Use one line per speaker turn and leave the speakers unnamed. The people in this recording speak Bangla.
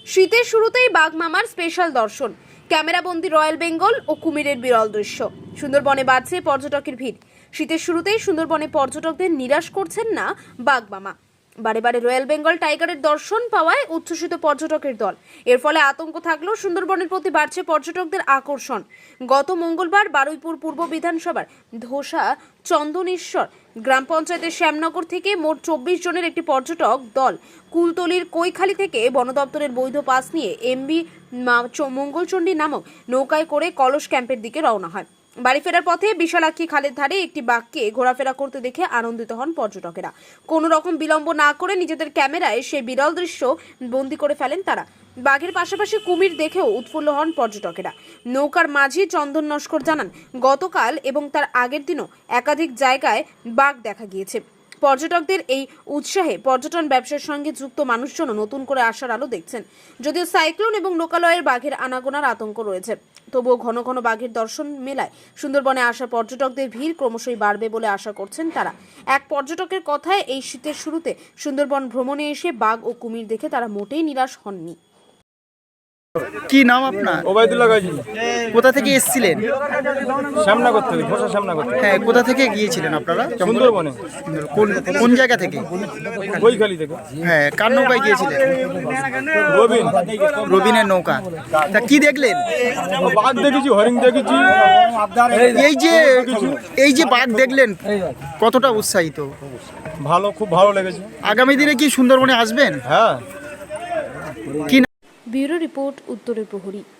শীতের শুরুতেই বাঘ মামার স্পেশাল দর্শন, ক্যামেরাবন্দি রয়্যাল বেঙ্গল ও কুমিরের বিরল দৃশ্য। সুন্দরবনে বাড়ছে পর্যটকের ভিড়। শীতের শুরুতেই সুন্দরবনে পর্যটকদের নিরাশ করছেন না বাঘ মামা। বারে বারে রয়্যাল বেঙ্গল টাইগারের দর্শন পাওয়ায় উচ্ছ্বসিত পর্যটকের দল। এর ফলে আতঙ্ক থাকলেও সুন্দরবনের প্রতি বাড়ছে পর্যটকদের আকর্ষণ। গত মঙ্গলবার বারুইপুর পূর্ব বিধানসভার ধোসা চন্দনেশ্বর গ্রাম পঞ্চায়েতের শ্যামনগর থেকে মোট 24 জনের একটি পর্যটক দল কুলতলির কৈখালি থেকে বন দপ্তরের বৈধ পাস নিয়ে এমবি মঙ্গলচণ্ডী নামক নৌকায় করে কলস ক্যাম্পের দিকে রওনা হয়। বাড়ি ফেরার পথে বিশালাক্ষী খালের ধারে একটি বাঘকে ঘোরাফেরা করতে দেখে আনন্দিত হন পর্যটকেরা। কোনো রকম বিলম্ব না করে নিজেদের ক্যামেরায় সেই বিরল দৃশ্য বন্দী করে ফেলেন তারা। বাঘের পাশাপাশি কুমির দেখেও উৎফুল্ল হন পর্যটকেরা। নৌকার মাঝি চন্দন নস্কর জানান, গতকাল এবং তার আগের দিনও একাধিক জায়গায় বাঘ দেখা গিয়েছে। পর্যটকদের এই উৎসাহে পর্যটন ব্যবসার সঙ্গে যুক্ত মানুষজনও নতুন করে আশার আলো দেখছেন। যদিও সাইক্লোন এবং লোকালয়ের বাঘের আনাগোনার আতঙ্ক রয়েছে, তবুও ঘন ঘন বাঘের দর্শন মেলায় সুন্দরবনে আসা পর্যটকদের ভিড় ক্রমশই বাড়বে বলে আশা করছেন তারা। এক পর্যটকের কথায়, এই শীতের শুরুতে সুন্দরবন ভ্রমণে এসে বাঘ ও কুমির দেখে তারা মোটেই নিরাশ হননি।
কি নাম আপনার?
ওবায়দুল্লাহ গাজী।
কোথা থেকে এসেছিলেন?
শ্যামনগর থেকে, ঘোষা শ্যামনগর থেকে।
হ্যাঁ, কোথা থেকে গিয়েছিলেন আপনারা?
সুন্দরবনে।
কোন কোন জায়গা থেকে?
কৈখালি থেকে।
হ্যাঁ, কার নৌকায় গিয়েছিলেন?
রবিন।
রবিনের নৌকা। তা কি দেখলেন?
বাঘ দেখেছি, হরিণ দেখেছি।
এই যে বাঘ দেখলেন, কতটা উৎসাহিত?
ভালো, খুব ভালো লেগেছে।
আগামী দিনে কি সুন্দরবনে আসবেন?
হ্যাঁ।
কি
ব্যুরো রিপোর্ট, উত্তরের প্রহরী।